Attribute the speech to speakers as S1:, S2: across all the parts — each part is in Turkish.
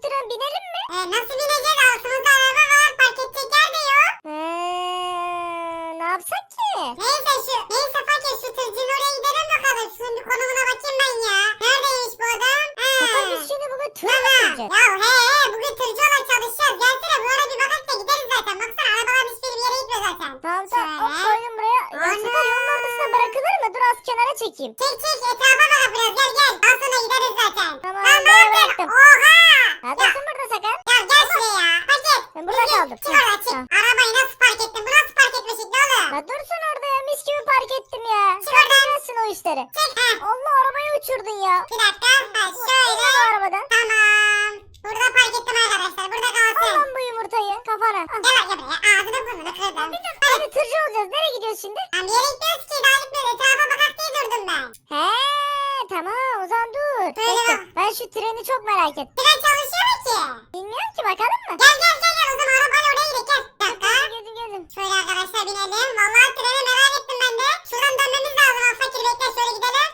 S1: tren binelim mi?
S2: Nasıl bineceğiz? Altımızda araba var. Park edecek yer de yok.
S1: Ne yapsak ki?
S2: Neyse fakir şu tırcının oraya gidelim bakalım. Şunun bir konumuna bakayım ben ya. Neredeymiş bu adam?
S1: Sakar biz şimdi bugün tır mı
S2: Tamam.
S1: süreceğiz?
S2: Ya bugün tırcı olarak çalışacağız. Gelsene bu ara bir bakak da gideriz zaten. Baksana arabaların hiçbiri bir yere gitmiyor zaten.
S1: Tamam
S2: Şöyle.
S1: hop koydum buraya. Ya
S2: Ana.
S1: Sakar yolun ortasına bırakılır mı? Dur az kenara çekeyim.
S2: Çek etrafa bak biraz gel. Daha sonra gideriz zaten.
S1: Tamam,
S2: Lan ne
S1: ben
S2: yaptın?
S1: bıraktım.
S2: Oha.
S1: Ya dursun burada Sakar.
S2: Ya gel şuraya ya. Fakir.
S1: Ben burada kaldım.
S2: Çık oradan çık.
S1: Tamam.
S2: Arabayı nasıl park ettin? Bu nasıl park etme şekli oğlum?
S1: Ya dursun orada ya mis gibi park ettim ya.
S2: Çık
S1: Sen
S2: oradan.
S1: bilmezsin o işleri.
S2: Çek.
S1: Allah arabayı uçurdun ya.
S2: Bir dakika. Şöyle.
S1: İn o arabadan.
S2: Tamam. Burada park ettim arkadaşlar. Burada
S1: Al
S2: kalsın.
S1: lan bu yumurtayı kafana. Al.
S2: Gel buraya. Ağzını burnunu kırdım.
S1: Hadi tırcı olacağız. Nereye gidiyoruz şimdi?
S2: Ben bir yere gitmiyoruz ki. Daha gitmiyoruz. Etrafa bakak diye durdum ben.
S1: He tamam o zaman dur.
S2: Böyle
S1: Bekle.
S2: bak.
S1: Ben şu treni çok merak ettim.
S2: Tren çalışıyor mu ki?
S1: Bilmiyorum ki bakalım mı?
S2: Gel. O zaman arabayla oraya gidelim. Gel. Bir dakika.
S1: Geldim.
S2: Şöyle arkadaşlar binelim. Vallahi treni merak ettim ben de. Şuradan dönmemiz lazım. Ha, fakir bekle şöyle gidelim.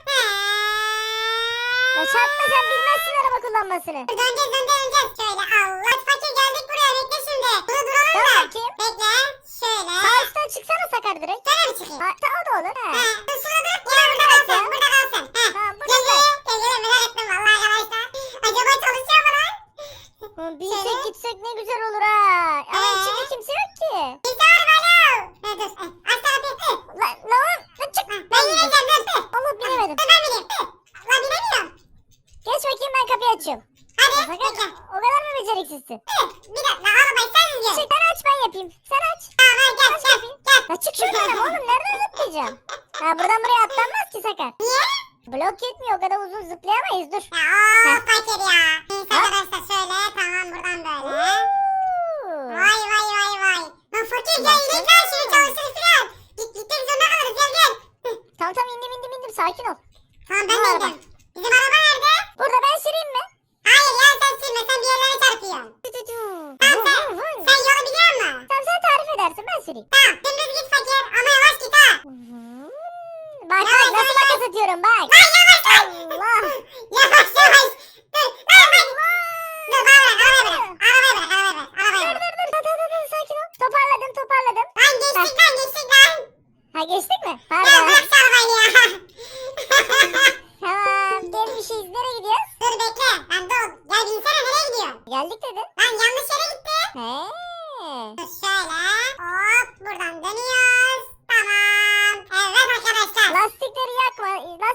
S1: Ya çarpma sen bilmezsin araba kullanmasını.
S2: Döneceğiz. Şöyle Allah fakir geldik buraya bekle şimdi. Burada duralım
S1: Dur
S2: da.
S1: bakayım.
S2: Bekle. Şöyle.
S1: Sağ üstten çıksana Sakar direkt.
S2: Şöyle mi çıkayım?
S1: Ha, o da olur. He.
S2: Dur şurada dur. Yine burada kalsın. Burada kalsın.
S1: Tamam burada
S2: Gel
S1: kal.
S2: merak ettim vallahi arkadaşlar. Acaba çalışıyor mu lan?
S1: Binsek
S2: Şöyle.
S1: gitsek ne güzel olur ha. Ama içinde kimse yok ki.
S2: Bizde var bana. Dur. Aç tarafı.
S1: Lan çık.
S2: Ben yiyeceğim dur.
S1: Allah bilemedim.
S2: Ben bineyim. Lan binemiyorum.
S1: Geç bakayım ben kapıyı açıyorum.
S2: Hadi
S1: Sakar
S2: bekle.
S1: o kadar mı beceriksizsin?
S2: Bir dakika arabayı sen izliyorsun.
S1: Çık sen aç ben yapayım. Sen aç.
S2: Tamam gel.
S1: Ya çık şuradan oğlum nereden zıplayacağım? Ha buradan buraya atlanmaz ki Sakar.
S2: Niye?
S1: Blok yetmiyor o kadar uzun zıplayamayız dur.
S2: Ya fakir ya. Neyse arkadaşlar şöyle tamam buradan böyle. Vay. Lan fakir gel inek ver şunu çalışır filan. Gitmek zorunda kalırız gel.
S1: Tamam indim sakin ol.
S2: Tamam ben
S1: Bu
S2: de
S1: araba.
S2: indim. Bizim araba nerede?
S1: Burada ben süreyim mi?
S2: Hayır ya sen sürme sen bir yerlere çarpıyorsun. Sen yolu biliyor musun?
S1: Tamam sen tarif edersin ben süreyim.
S2: Tamam dümdüz git fakir ama yavaş git ha.
S1: Bak
S2: Yavaş,
S1: nasıl makas atıyorum bak.
S2: Lan yavaş.
S1: Allah.
S2: Yavaş. Dur lan. Dur arabayı bırak.
S1: Dur sakin ol. Toparladım.
S2: Lan geçtik lan.
S1: Ha geçtik mi?
S2: Ya
S1: Pardon.
S2: bırak şu arabayı ya.
S1: Tamam gelmişiz. Nereye gidiyoruz?
S2: Dur bekle. Lan dur. Gel binsene nereye gidiyorsun?
S1: Geldik dedin.
S2: Lan yanlış yere gitti.
S1: He.
S2: Dur şöyle. Hop buradan dönüyoruz. Tamam. Evet arkadaşlar.
S1: Lastikleri yakma.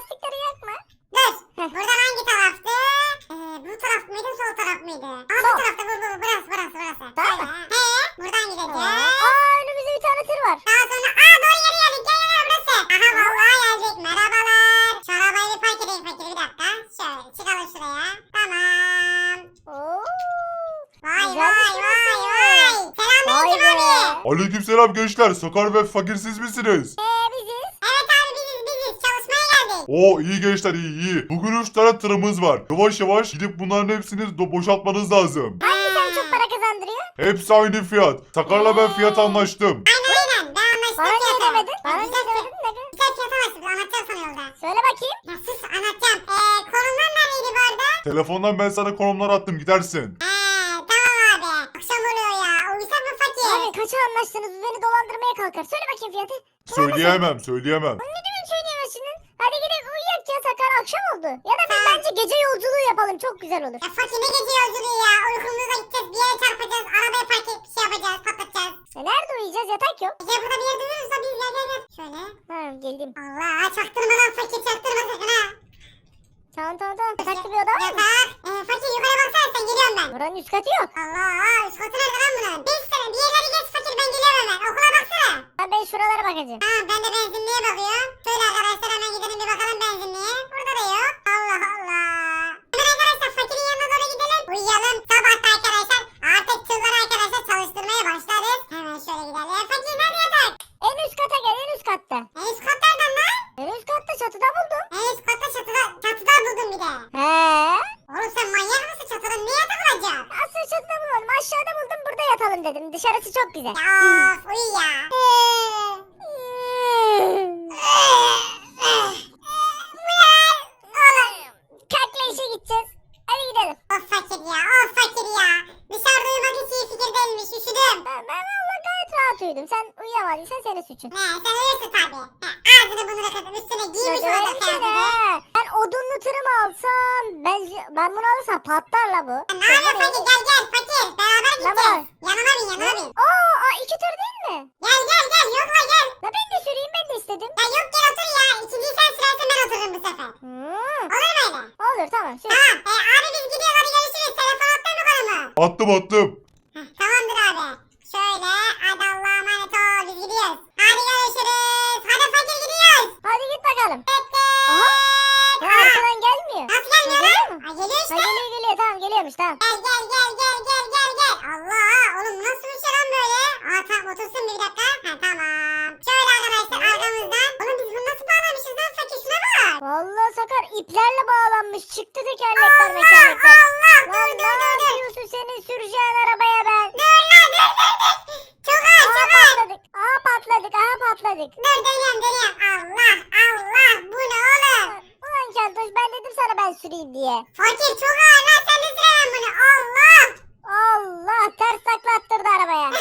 S2: Dur.
S1: Heh.
S2: Buradan hangi taraftı? Bu taraf mıydı sol taraf mıydı? Aa
S1: Sol.
S2: bu tarafta burası.
S1: Tamam.
S2: Şöyle. Buradan gideceğiz.
S1: Önümüzde bir tane tır var.
S2: Daha sonra doğru yere geldik. Gel burası. Aha vallahi geldik. Merhabalar. Şu arabayı bir park edeyim fakir bir dakika. Şöyle çıkalım şuraya. Tamam.
S1: Oo.
S2: Vay.
S1: Güzelmiş
S2: Selamünaleyküm
S1: Vay be.
S2: abi.
S3: Aleykümselam gençler. Sakar ve fakir siz misiniz?
S1: Biziz.
S2: Evet abi biziz. Çalışmaya geldik.
S3: Oo iyi gençler iyi. Bugün 3 tane tırımız var. Yavaş yavaş gidip bunların hepsini
S2: Ee,
S3: boşaltmanız lazım.
S1: Hangisi en çok para kazandırıyor?
S3: Hepsi aynı fiyat. Sakar'la ben fiyat anlaştım.
S2: Aynen. Ben anlaştım
S1: Bana niye
S2: fiyata.
S1: demedin? Bana niye
S2: Güzel
S1: demedin? Ne kadar?
S2: güzel fiyata anlaştık. Anlatacağım sana yolda.
S1: Söyle bakayım.
S2: Ya sus anlatacağım. Konumlar neredeydi bu arada?
S3: Telefondan ben sana konumlar attım gidersin.
S2: Tamam abi. Akşam oluyor ya. Uyusak mı fakir?
S1: Abi kaça anlaştınız? Bu beni dolandırmaya kalkar. Söyle bakayım fiyatı.
S3: Söyleyemem.
S1: Ne demek söyleyemezsin? Hadi gidelim uyuyak ya Sakar akşam oldu. Ya da biz bence gece yolculuğu yapalım çok güzel olur.
S2: Ya fakir ne gece yolculuğu ya. Uykumuzda gideceğiz. Bir yere çarpacağız. Arabaya park edip bir şey yapacağız. Patlatacağız.
S1: Nerede uyuyacağız yatak yok.
S2: Ya burada bir yerde dururuz da biz gel. Şöyle.
S1: Ha geldim.
S2: Allah çaktırma lan fakir çaktırma sakın ha.
S1: Tamam. Yataklı bir oda var mı?
S2: Yatak. Fakir yukarı baksana sen geliyorum ben.
S1: Buranın üst katı yok.
S2: Allah üst katı nerede lan bunun? Bir yerleri geç fakir ben geliyorum hemen. Okula baksana.
S1: Ben şuralara bakacağım.
S2: Tamam ben de benzinliğe bakıyorum. Şöyle arkadaşlar hemen gidelim bir bakalım benzinliğe. Burada da yok. Allah. Hemen arkadaşlar fakirin yanına doğru gidelim. Uyuyalım. Sabahta arkadaşlar artık tırları arkadaşlar çalıştırmaya başlarız. Hemen şöyle gidelim. Fakir nerede yatak?
S1: En üst kata gel en üst katta.
S2: En üst katlardan lan.
S1: En üst katta çatıda buldum.
S2: En üst katta çatıda buldum bir de.
S1: He.
S2: Oğlum sen manyak mısın çatıda? Ne yatak olacak?
S1: Asıl çatıda bulmadım. Aşağıda buldum burada yatalım dedim. Dışarısı çok güzel.
S2: Ya of uyu ya.
S1: Kalkla işe gideceğiz. Hadi gidelim.
S2: Of fakir ya.
S1: uyudum. Sen uyuyamadıysan senin suçun.
S2: Ne sen uyursun tabii. Ağzını bunu da kadın üstüne giymiş
S1: Ya
S2: orada
S1: öyle şey
S2: kıyafeti.
S1: ne? Ben odunlu tırı mı alsam? Ben bunu alırsam patlar la bu.
S2: Ne yapıyorsun fakir gel fakir. Beraber
S1: Ne var?
S2: gideceğiz. Yanıma bin.
S1: Aa, iki tır değil mi?
S2: Gel yok la gel.
S1: La ben de süreyim, ben de istedim.
S2: Ya yok gel otur ya. İkinciyi sen sürersen ben otururum bu sefer. Olur mu öyle?
S1: Olur tamam sür.
S2: Tamam. Abi biz gidiyoruz hadi görüşürüz. Telefon attın mı bana mı?
S3: Attım.
S2: Tamamdır abi. Şöyle hadi Allah'a emanet ol biz gidiyoruz. Hadi görüşürüz. Hadi fakir gidiyoruz.
S1: Hadi git bakalım.
S2: Bekle.
S1: Aha. Ya arkadan gelmiyor.
S2: Nasıl gelmiyor
S1: Geliyor
S2: lan?
S1: mu?
S2: Ha, geliyor
S1: Ha,
S2: işte.
S1: geliyor tamam geliyormuş tamam.
S2: Gel. Allah oğlum bu nasıl bir şey lan böyle? Aa tamam otursun bir dakika. Ha tamam. Şöyle arkadaşlar arkamızdan. Oğlum biz bunu nasıl bağlamışız lan fakir şuna bak.
S1: Vallahi Sakar iplerle bağlanmış. Çıktı tekerlekler mekerlekler.
S2: Allah
S1: Lan
S2: dur.
S1: ne yapıyorsun senin süreceğin arabaya ben?
S2: Dur. Çok ağır
S1: Aha
S2: çok ağır.
S1: patladık.
S2: Dur dönüyorum. Allah bu ne oğlum?
S1: Ulan Keltoş ben dedim sana ben süreyim diye.
S2: Fakir çok ağır lan sen de süremem bunu. Allah.
S1: Allah ters taklattırdı arabaya.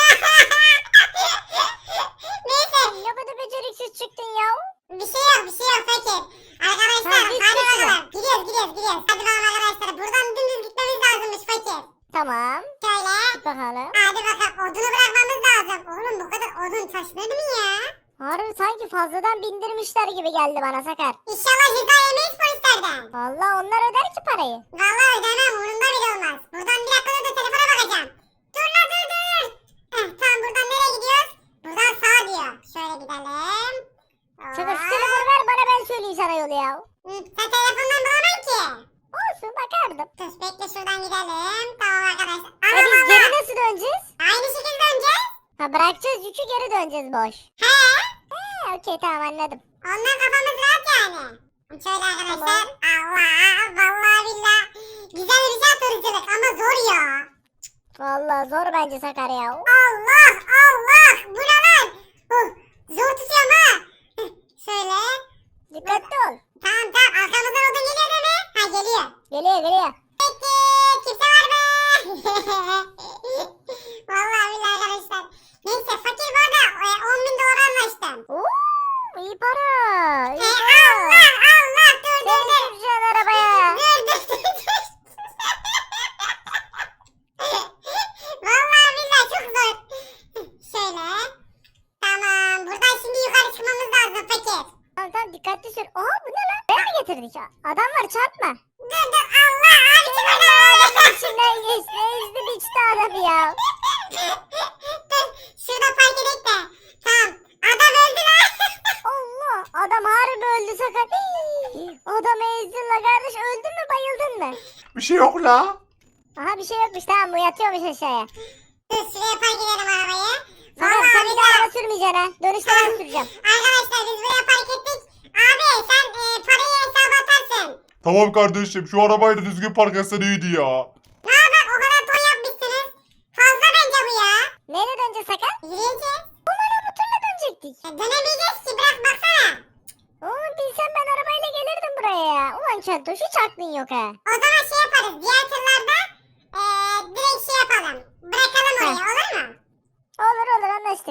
S2: Neyse
S1: Ne kadar beceriksiz çıktın ya.
S2: bir şey yok fakir. Arkadaşlar
S1: Ha, git,
S2: hadi
S1: git
S2: bakalım. Gidiyoruz. Hadi bakalım arkadaşlar. Buradan dümdüz gitmemiz lazımmış fakir.
S1: Tamam.
S2: Şöyle.
S1: Git bakalım.
S2: Hadi bakalım odunu bırakmamız lazım. Oğlum bu kadar odun taşınır mı ya?
S1: Harbi sanki fazladan bindirmişler gibi geldi bana Sakar.
S2: İnşallah ceza yemeyiz polislerden.
S1: Vallahi onlar öder ki parayı.
S2: Vallahi ödemem umurumda bile olmaz. Buradan bir dakika da telefona bakacağım. Dur. Tamam buradan nereye gidiyoruz? Buradan sağa diyor. Şöyle gidelim.
S1: Sakar şu
S2: Hop.
S1: telefonu ver bana ben söyleyeyim sana yolu ya.
S2: Sen telefondan bulamam ki.
S1: Olsun bakardım.
S2: Dur bekle şuradan gidelim. Tamam arkadaşlar.
S1: E biz
S2: Allah.
S1: geri nasıl döneceğiz?
S2: Aynı şekilde döneceğiz.
S1: Ha bırakacağız yükü geri döneceğiz boş.
S2: He.
S1: Okey tamam anladım.
S2: Ondan kafamız rahat yani. Şöyle arkadaşlar. Allah. Vallahi billah. Güzel bir şey turculuk ama zor ya.
S1: Vallahi zor bence Sakar ya.
S2: Allah. Bu ne lan? Zor tutuyorum ha. Şöyle.
S1: Dikkatli ol.
S2: Tamam. Arkamızdan odun geliyor değil mi? Ha geliyor.
S1: Geliyor.
S2: Peki. Kimse var mı? Vallahi billahi arkadaşlar. Neyse fakir bu arada 10.000 dolar anlaştım.
S1: Oo, iyi para. İyi
S2: He,
S1: para.
S2: Allah. Dur.
S1: Seni süreceğin arabaya.
S2: Dur. Vallahi billahi çok zor. Şöyle. Tamam. Buradan şimdi yukarı çıkmamız lazım fakir.
S1: Tamam dikkatli sür. Oha bu ne lan? Ben mi getirdik? Adam var çarpma.
S2: Dur. Allah. Abi çık
S1: Adamın içinden geçti. Ezdi biçti adamı ya.
S2: Dur. Şurada park edelim de. Tamam. Adam öldü lan.
S1: Allah. Adam harbi öldü Sakar. Adamı ezdin la kardeş. Öldün mü bayıldın mı?
S3: Bir şey yok la.
S1: Aha bir şey yokmuş tamam bu yatıyormuş aşağıya.
S2: Dur şuraya park edelim arabayı.
S1: Sakar
S2: Vallahi
S1: sen bir daha
S2: billahi.
S1: araba sürmeyeceksin ha. Dönüşte ben süreceğim.
S2: Arkadaşlar biz buraya park ettik. Abi sen parayı hesaba atarsın.
S3: Tamam kardeşim şu arabayı da düzgün park etsen iyiydi ya.
S2: Ne haber o kadar ton yapmışsınız. Fazla bence bu ya.
S1: Neyle döneceğiz Sakar?
S2: Yürüyeceğiz.
S1: Umarım bu turla dönecektik.
S2: Dönemeyeceğiz ki bırak baksana.
S1: Oğlum bilsem ben arabayla gelirdim buraya ya. Ulan Keltoş hiç aklın yok ha.
S2: O zaman şey yaparız. Diğer tırlarda direkt şey yapalım. Bırakalım oraya olur mu?
S1: Olur anlaştık.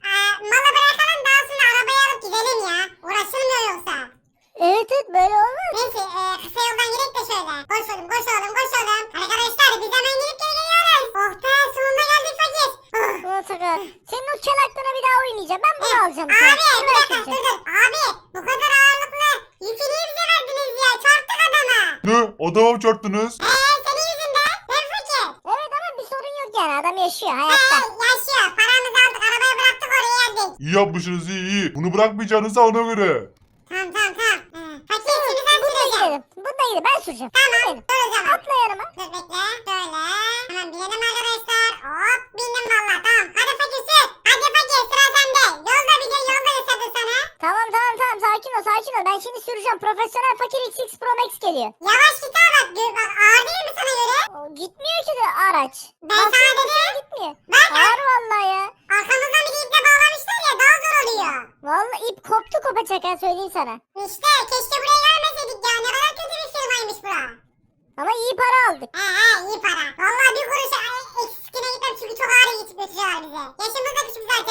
S2: Malı bırakalım daha sonra arabayı alıp gidelim ya. Uğraşılmıyor yoksa.
S1: Evet böyle olmaz.
S2: Neyse kısa yoldan gidelim de şöyle. Koş oğlum. Arkadaşlar biz hemen gidip geri geliyoruz. Oh be sonunda geldik fakir.
S1: Ulan Sakar. Senin o kel aklına bir daha oynayacağım. Ben bunu alacağım.
S2: Abi
S1: sana.
S2: bir
S1: Bunu
S2: dakika
S1: götüreceğim.
S2: dur. Abi bu kadar ağırlıklı yükü niye bize verdiniz ya? Çarptık adama.
S3: Ne? Adama mı çarptınız?
S2: Senin yüzünden. Ben fakir.
S1: Evet ama bir sorun yok yani. Adam yaşıyor hayatta.
S2: Yaşıyor. Paramızı aldık arabaya bıraktık oraya geldik.
S3: İyi yapmışsınız iyi. Bunu bırakmayacağınıza ona göre.
S2: Tamam. Fakir şimdi sen
S1: Bununla
S2: süreceksin.
S1: gidelim. Bununla gidelim. Ben süreceğim.
S2: Tamam
S1: Benim.
S2: dur o zaman.
S1: Atla yanıma.
S2: Dur bekle. Şöyle. Hemen binelim arkadaşlar. Hop bindim valla tamam. Hadi fakir sür. Hadi fakir sıra sende. Yolda biliyor yolda yaşadı sana.
S1: Tamam. Sakin ol. Ben şimdi süreceğim. Profesyonel fakir XX Pro Max geliyor.
S2: Yavaş git ha bak. Bak ağır değil mi sana göre?
S1: O, gitmiyor ki de araç.
S2: Ben sana
S1: Basıyor,
S2: dedim.
S1: gitmiyor.
S2: Bak
S1: Ağır vallahi ya.
S2: arkamızdan bir iple bağlamışlar ya daha zor oluyor.
S1: Vallahi ip koptu kopacak ha söyleyeyim sana.
S2: İşte keşke buraya gelmeseydik ya. Ne kadar kötü bir firmaymış bura.
S1: Ama iyi para aldık.
S2: İyi para. Vallahi bir kuruş eksikine gitmem çünkü çok ağır götürüyorlar bize. Yaşımız da küçük zaten.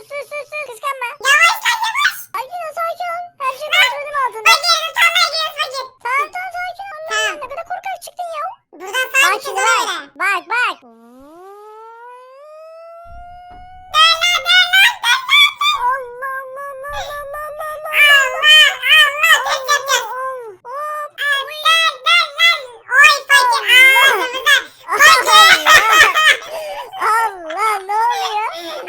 S1: sür. Kıskanma.
S2: Yavaş lan yavaş.
S1: Sakin ol sakin ol. Her şey kontrolüm altında.
S2: Fakir dur tarlaya giriyoruz fakir.
S1: Tamam sakin ol.
S2: Tamam.
S1: Ne kadar korkak çıktın ya.
S2: Buradan sağa
S1: Bak
S2: gideceğiz
S1: şimdi
S2: ona
S1: bak.
S2: göre.
S1: Bak. Allah.
S2: Allah test yapacağız. Oy fakir ağzımıza.
S1: Allah ne oluyor?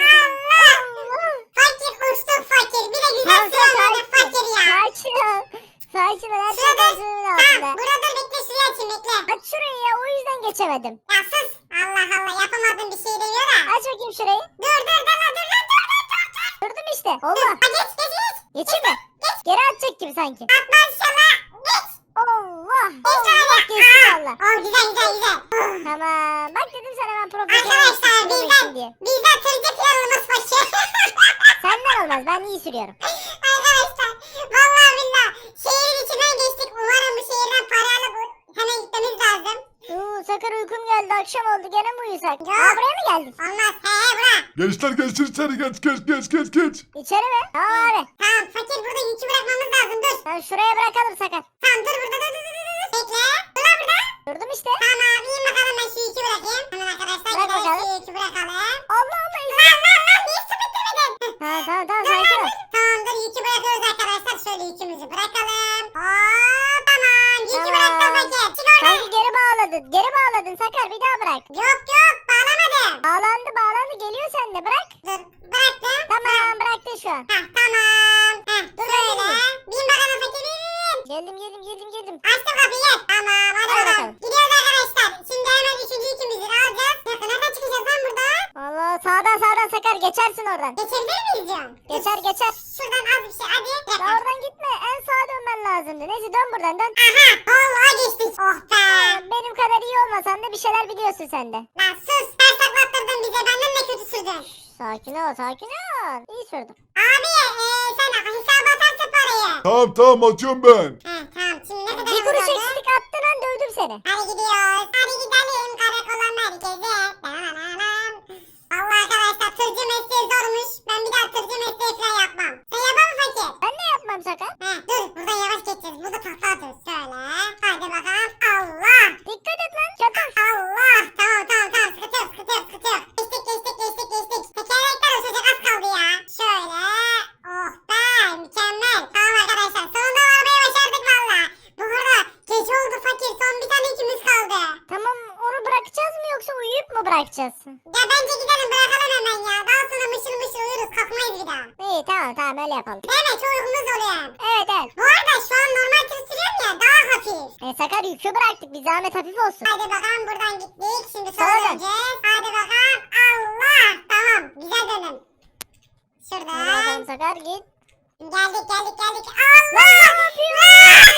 S2: Fakir uçtuk fakir. Bir de güzel süremedi fakir ya.
S1: Sakin ol. Her şey
S2: Şurada
S1: kontrolümün
S2: ha
S1: altında.
S2: burada bekle şuraya açayım bekle.
S1: Aç şurayı ya o yüzden geçemedim.
S2: Ya sus. Allah Allah yapamadım bir şey demiyor da.
S1: Aç bakayım şurayı.
S2: Dur lan.
S1: Durdum işte. Allah.
S2: Ha geç.
S1: Geçeyim mi? Geri atacak gibi sanki.
S2: Atma inşallah. Geç.
S1: Allah.
S2: Geç
S1: Allah
S2: abi.
S1: geçti valla.
S2: Oh güzel.
S1: Tamam. Bak dedim sana ben profesyonel
S2: Arkadaşlar
S1: sürüyorum diye.
S2: bizden tırcı planımız fakir.
S1: Senden olmaz. Ben iyi sürüyorum.
S2: Arkadaşlar vallahi billah şehrin içinden geçtik. Umarım bu şehirden para alıp hemen gitmemiz lazım.
S1: Sakar uykum geldi. Akşam oldu. Gene mi uyusak?
S2: Ya.
S1: Buraya mı geldik?
S2: Olmaz. Bura.
S3: Gençler geçin içeri geç.
S1: İçeri mi? Tamam abi.
S2: Tamam fakir burada yükü bırakmamız lazım. Dur.
S1: Sen şuraya bırakalım Sakar.
S2: Tamam dur burada. Bekle. Dur lan burada.
S1: Durdum işte.
S2: Tamam in bakalım ben şu yükü bırakayım. Hemen arkadaşlar
S1: Bırak
S2: gidelim
S1: bakalım.
S2: şu yükü bırakalım.
S1: Allah izin.
S2: Lan niye su bitirmedin?
S1: Tamam sakin ol.
S2: Tamamdır yükü bırakıyoruz arkadaşlar. Şöyle yükümüzü bırakalım. Hop tamam. Yükü bıraktım fakir. Çık oradan.
S1: Sanki geri bağladın Sakar bir daha bırak.
S2: Yok bağlamadım.
S1: Bağlandı geliyor sende bırak.
S2: Dur bıraktım.
S1: Tamam bıraktın şu an.
S2: Tamam.
S1: Dur,
S2: Şöyle.
S1: ben
S2: Bin bakalım fakir bin.
S1: Geldim.
S2: Açtım kapıyı gel. Tamam hadi
S1: Hadi
S2: bakalım.
S1: bakalım.
S2: Gidiyoruz arkadaşlar. Şimdi hemen üçüncü yükümüzü alacağız. Nereden çıkacağız lan buradan?
S1: Allah sağdan Sakar geçersin oradan.
S2: Geçebilir miyiz diyorum.
S1: Geçer.
S2: Şuradan az bir şey hadi.
S1: Ya oradan gitme en sağa dönmen lazımdı. Neyse dön buradan dön.
S2: Aha vallahi geçtik. Oh be.
S1: Benim kadar iyi olmasan da bir şeyler biliyorsun sen de.
S2: Lan sus. Ters taklattırdın bize. Benden de kötü sürdün.
S1: Sakin ol. İyi sürdüm.
S2: Abi sen hesaba atarsın parayı.
S3: Tamam atıyorum ben.
S2: Tamam şimdi ne kadar
S1: Bir kuruş
S2: kaldı?
S1: eksik attın an dövdüm seni.
S2: Hadi gidiyoruz. Hadi gidelim karakola merkeze. Allah arkadaşlar tırcı mesleği zormuş. Ben bir daha tırcı mesleği falan yapmam. Sen yapar mı fakir?
S1: Ben ne yapmam Sakar?
S2: Dur buradan yavaş geçeceğiz. Burada takla atıyoruz. Şöyle. Hadi bakalım. Allah.
S1: Dikkat et lan çatır.
S2: Allah. Tamam. Sıkıntı yok. Geçtik. Tekerlekler uçacak az kaldı ya. Şöyle. Oh be mükemmel. Tamam arkadaşlar. Sonunda varmayı başardık valla. Bu arada gece oldu fakir. Son bir tane yükümüz kaldı.
S1: Tamam onu bırakacağız mı yoksa uyuyup mu bırakacağız?
S2: Ya bence gidelim bırakalım hemen ya. Daha sonra mışıl uyuruz. Kalkmayız bir daha.
S1: İyi tamam öyle yapalım.
S2: Değil mi? Çok uykumuz oluyor.
S1: Evet.
S2: Bu arada şu an normal tır sürüyorum ya. Daha hafif.
S1: Sakar yükü bıraktık bir zahmet hafif olsun.
S2: Hadi bakalım buradan gittik. Şimdi
S1: Sola
S2: sola
S1: dön.
S2: döneceğiz. Hadi bakalım. Allah. Tamam. Güzel dönün.
S1: Hadi
S2: Şuradan.
S1: bakalım Sakar git.
S2: Geldik.
S1: Lan
S2: Allah.
S1: ne yapıyorsun?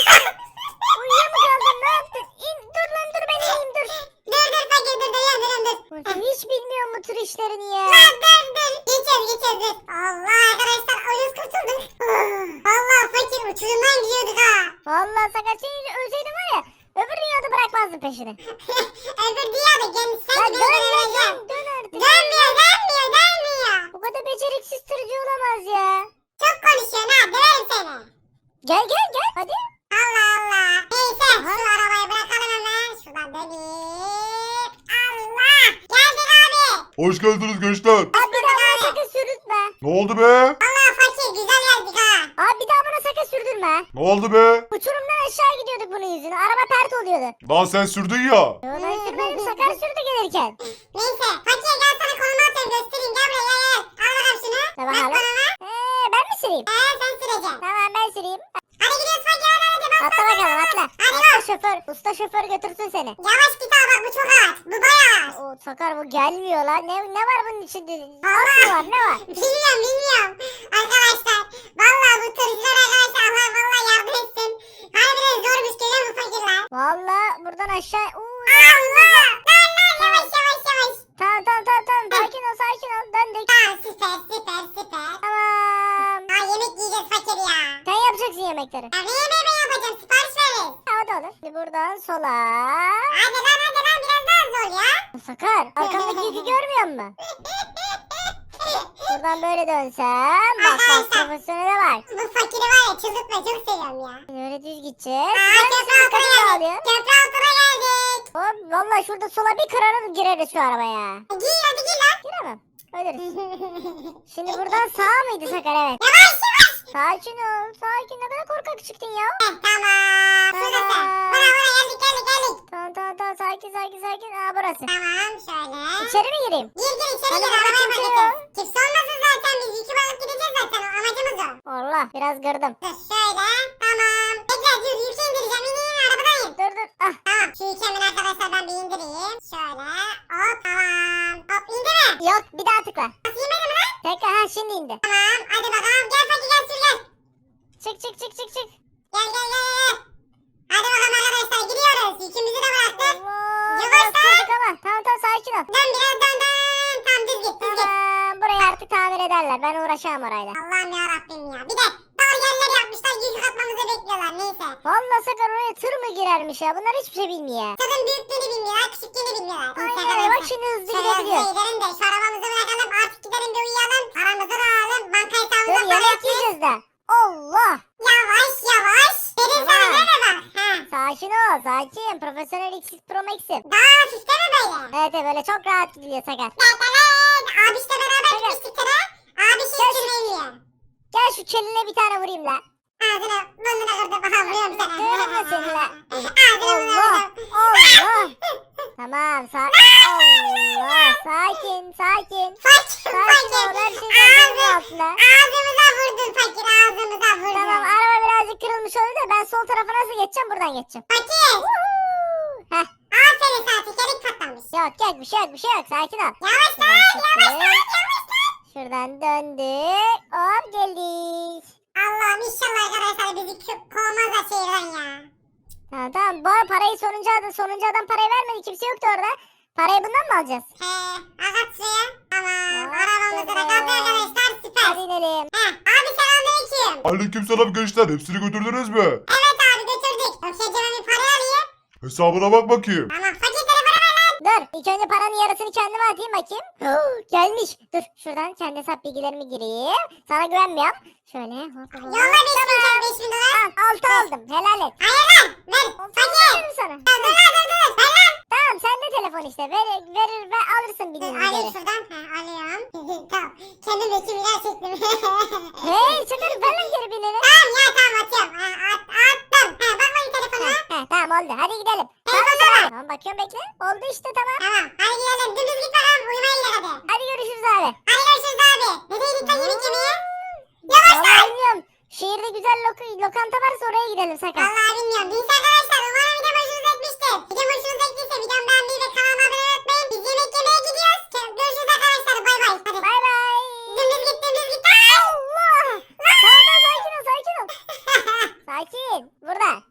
S1: Uyuyor mu kaldın ne yaptın? Dur ben ineyim dur.
S2: Dur fakir dur. Dönüyorum.
S1: Hiç bilmiyorum bu tür işlerini ya.
S2: Lan dur. Geçeceğiz. Allah arkadaşlar. Uyuz kurtulduk. Allah fakir uçurumdan gidiyorduk ha.
S1: Vallahi Sakar seni ölseydim var ya öbür dünyada bırakmazdım peşini.
S2: Öbür dünyada kendisi
S1: Ya
S2: beni göreceğim.
S1: dön artık.
S2: Dönmüyor.
S1: Bu kadar beceriksiz tırcı olamaz ya.
S2: Çok konuşuyorsun ha. Döverim seni.
S1: Gel hadi.
S2: Allah. Neyse
S1: Aha.
S2: şu arabayı bırakalım hemen. Şuradan döneyim. Allah. Geldik abi.
S3: Hoş geldiniz gençler.
S1: Abi bir daha bana sakın sürdürtme.
S3: Ne oldu be?
S2: Allah fakir güzel geldik ha.
S1: Abi bir daha bana sakın sürdürme.
S3: Ne oldu be?
S1: Uçurumdan aşağı gidiyorduk bunun yüzüne. Araba pert oluyordu.
S3: Lan sen sürdün ya.
S1: Yo ben sürmedim Sakar sürdü gelirken.
S2: Neyse fakir gel sana konumu atıyorum göstereyim. Gel buraya gel. Al bakalım şunu.
S1: Ne
S2: Bak
S1: bakalım?
S2: konuma.
S1: Ben mi süreyim?
S2: Sen süreceksin.
S1: Tamam ben süreyim.
S2: Hadi gidiyoruz fakir hadi. Bas,
S1: Atla
S2: bas,
S1: bakalım
S2: bas,
S1: atla.
S2: bas. Hadi
S1: Atla
S2: bas.
S1: şoför. Usta şoför götürsün seni.
S2: Yavaş git abi bak bu çok ağır. Bu bayağı ağır.
S1: O Sakar bu gelmiyor lan. Ne var bunun içinde?
S2: Allah.
S1: Ne var ne var?
S2: Bilmiyorum. Arkadaşlar. Vallahi bu tırcılar arkadaşlar Allah vallahi yardım etsin. Harbiden zormuş görüyor musun fakirler?
S1: Vallahi buradan aşağı.
S2: Allah. Lan yavaş.
S1: Tamam. Sakin ol. Döndük.
S2: Tamam süper.
S1: Tamam.
S2: Yemek yiyeceğiz fakir ya.
S1: Sen yapacaksın yemekleri.
S2: Ya ne yemeği ben yapacağım sipariş verin.
S1: Ha, o da olur. Şimdi buradan sola.
S2: Hadi lan biraz daha zor ya.
S1: Sakar arkamdaki yükü görmüyor musun? Buradan böyle dönsem. Bak bak profesyonele bak.
S2: Bu fakiri var ya çıldırtma çok seviyorum ya.
S1: Böyle düz gideceğiz.
S2: Aa
S1: Sen
S2: köprü
S1: misin?
S2: altına
S1: Dikkatimi
S2: geldik.
S1: alıyor.
S2: Köprü altına geldik.
S1: Hop valla şurada sola bir kırarız gireriz şu arabaya.
S2: Giy hadi giy lan.
S1: Giremem. Ölürüz. Şimdi buradan sağ mıydı Sakar? Evet.
S2: Yavaş yavaş.
S1: Sakin ol. Sakin. Ne kadar korkak çıktın ya.
S2: Tamam. Şurası.
S1: Tamam.
S2: Buna geldik geldik geldik.
S1: Tamam tamam tamam. Sakin sakin sakin. Aa burası.
S2: Tamam şöyle.
S1: İçeri mi gireyim?
S2: Gir gir içeri
S1: Hadi
S2: gir
S1: bakalım,
S2: arabaya
S1: kimse
S2: bakacağız.
S1: yok.
S2: Kimse olmasın zaten biz yükü alıp gideceğiz zaten o amacımız o.
S1: Allah biraz gırdım.
S2: Dur şöyle tamam. Bekle dur yükü indireceğim in arabadan in.
S1: Dur dur. Ah.
S2: Tamam şu yükü hemen arkadaşlar ben bir indireyim. Şöyle hop tamam. Hop indi mi?
S1: Yok bir daha tıkla.
S2: Nasıl inmedi mi lan?
S1: Tekrar ha şimdi indi.
S2: Tamam hadi bakalım gel fakir gel sür gel.
S1: Çık çık çık çık çık.
S2: Gel gel gel gel. Hadi bakalım arkadaşlar gidiyoruz. Yükümüzü de bıraktık.
S1: Allah.
S2: Yavaş
S1: Biraz kırdık ama. Tamam tamam sakin ol.
S2: Dön biraz dön dön. Tamam düz git düz git.
S1: Tamam. Burayı artık tamir ederler. Ben uğraşamam orayla.
S2: Allah'ım yarabbim ya. Bir de dar yerler yapmışlar yük atmamızı bekliyorlar neyse.
S1: Vallahi Sakar oraya tır mı girermiş ya? Bunlar hiçbir şey bilmiyor.
S2: Tadın büyüklüğünü bilmiyorlar, küçüklüğünü bilmiyorlar. Neyse
S1: Aynen öyle. Bak şimdi hızlı
S2: Şöyle hızlı
S1: gidebiliyor.
S2: gidelim de şu arabamızı bırakalım artık gidelim bir uyuyalım. Paramızı da alalım. Banka
S1: Dur
S2: hesabımıza para
S1: yemek
S2: yatırız.
S1: yiyeceğiz de. Allah.
S2: Yavaş yavaş. Derin sana
S1: Tamam.
S2: ne var? Ha.
S1: Sakin ol. Sakin. Profesyonel X'siz Pro Max'im.
S2: Daha hafif değil mi böyle?
S1: Evet evet böyle çok rahat gidiyor Sakar.
S2: Evet. Abişle beraber
S1: Evet.
S2: gitmiştik tıra. Abi
S1: Gel
S2: şey
S1: şu-
S2: sürmeyi
S1: Gel şu keline bir tane vurayım la.
S2: Ağzını burnunu kırdım. Aha vuruyorum sana.
S1: Kırma seni la.
S2: Ağzını burnunu
S1: Allah.
S2: kırdım.
S1: Allah. Tamam. Allah. Sakin. Sakin.
S2: Fakir
S1: Sakin ol. Her
S2: fakir.
S1: şey kontrolün altında.
S2: Ağzımıza vurdun fakir ağzımıza vurdun.
S1: Tamam araba birazcık kırılmış oldu da ben sol tarafa nasıl geçeceğim buradan geçeceğim.
S2: Fakir.
S1: Heh.
S2: Aferin sana tekerlek patlamış.
S1: Yok yok bir şey yok bir şey yok sakin ol.
S2: Yavaş lan yavaş lan yavaş lan.
S1: Şuradan döndük. Hop geldik.
S2: Allah'ım inşallah arkadaşlar bizi kovmazlar şehirden ya.
S1: Tamam tamam bu arada parayı sonuncu adam parayı vermedi kimse yoktu orada. Parayı bundan mı alacağız?
S2: He agat suya. Tamam
S1: Hop,
S2: arabamızı da
S1: tamam.
S2: kaldı arkadaşlar süper.
S1: Hadi inelim.
S2: Heh, abi selamünaleyküm.
S3: Aleykümselam gençler. Hepsini götürdünüz mü?
S2: Evet abi götürdük. Okeyceme bir para alayım.
S3: Hesabına bak bakayım.
S2: Tamam fakir telefonu ver lan.
S1: Dur ilk önce paranın yarısını kendime atayım bakayım. Gelmiş. Dur şuradan kendi hesap bilgilerimi gireyim. Sana güvenmiyorum. Şöyle hop hop.
S2: Yolla 5000 dolar.
S1: Al 6 aldım helal et.
S2: Hayır lan ver. Fakir.
S1: Veririm sana.
S2: Dur lan dur dur. Ver lan.
S1: Tamam sende telefon işte. Verir ve alırsın
S2: Dur
S1: bildiğin
S2: alayım
S1: üzere.
S2: şuradan. Ha alıyorum. tamam. Kendim de kimler çektim.
S1: Hey çıkarım ver lan geri bineni.
S2: Tamam ya tamam atıyorum. Ha, attım. Ha bakmayın telefona.
S1: Tamam oldu hadi gidelim.
S2: Telefona bak.
S1: Tamam bakıyorum bekle. Oldu işte tamam.
S2: Tamam hadi gidelim. Dümdüz git bakalım. Uyumaya gidelim hadi.
S1: Hadi görüşürüz abi.
S2: Hadi görüşürüz abi. Nereye gittin yemek yemeye? Yavaş lan.
S1: Vallahi bilmiyorum. Şehirde güzel lokanta varsa oraya gidelim sakın.
S2: Vallahi bilmiyorum. Neyse arkadaşlar umarım video hoşunuza gitmiştir. Video hoşunuza gittiyse videomu beğenmeyi ve kanalıma abone olmayı unutmayın. Biz yemek yemeye gidiyoruz. Görüşürüz arkadaşlar. Bay bay. Hadi.
S1: Bay bay.
S2: Dümdüz git dümdüz git.
S1: Allah. Tamam sakin ol sakin ol. Sakin. Burada.